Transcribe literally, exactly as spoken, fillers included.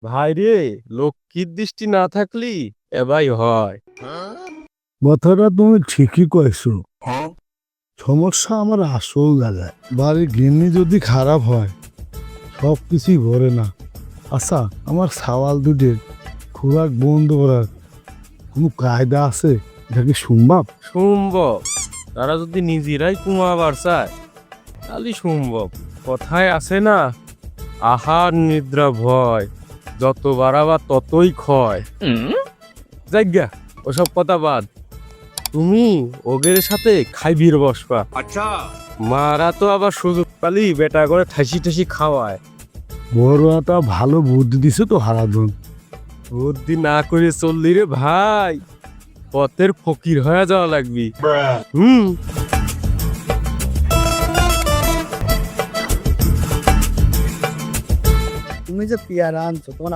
ভাই রে, লক্ষ্মীর দৃষ্টি না থাকলি এবাই হয়। কথাটা তুমি ঠিকই কয়েছো। সমস্যা আমার আসল জায়গায়। বাড়ির গিন্নি যদি খারাপ হয় সব কিছুই ভরে না। আচ্ছা, আমার সাওয়াল দুটির খোরাক বন্ধ করার কোনো কায়দা আছে? এটা কি সম্ভব? সম্ভব। তারা যদি নিজেরাই কুমাবার চায় তাহলে সম্ভব। কথায় আছে না, আহার নিদ্রা ভয়, যত বাড়াবা ততই ক্ষয়। যাজ্ঞা, ওসব কথা বাদ। তুমি ওগের সাথে খাইবির বসবা। আচ্ছা, মারা তো আবার সুযোগ পালি বেটা করে ঠাসি ঠাসি খাওয়ায়। বড় একটা ভালো বুদ্ধি দিছে তো হারাধন। বুদ্ধি না করে চললি রে ভাই, পথের ফকির হয়ে যাওয়া লাগবি। হুম। তুমি যে পেয়ারা আনছো তোমার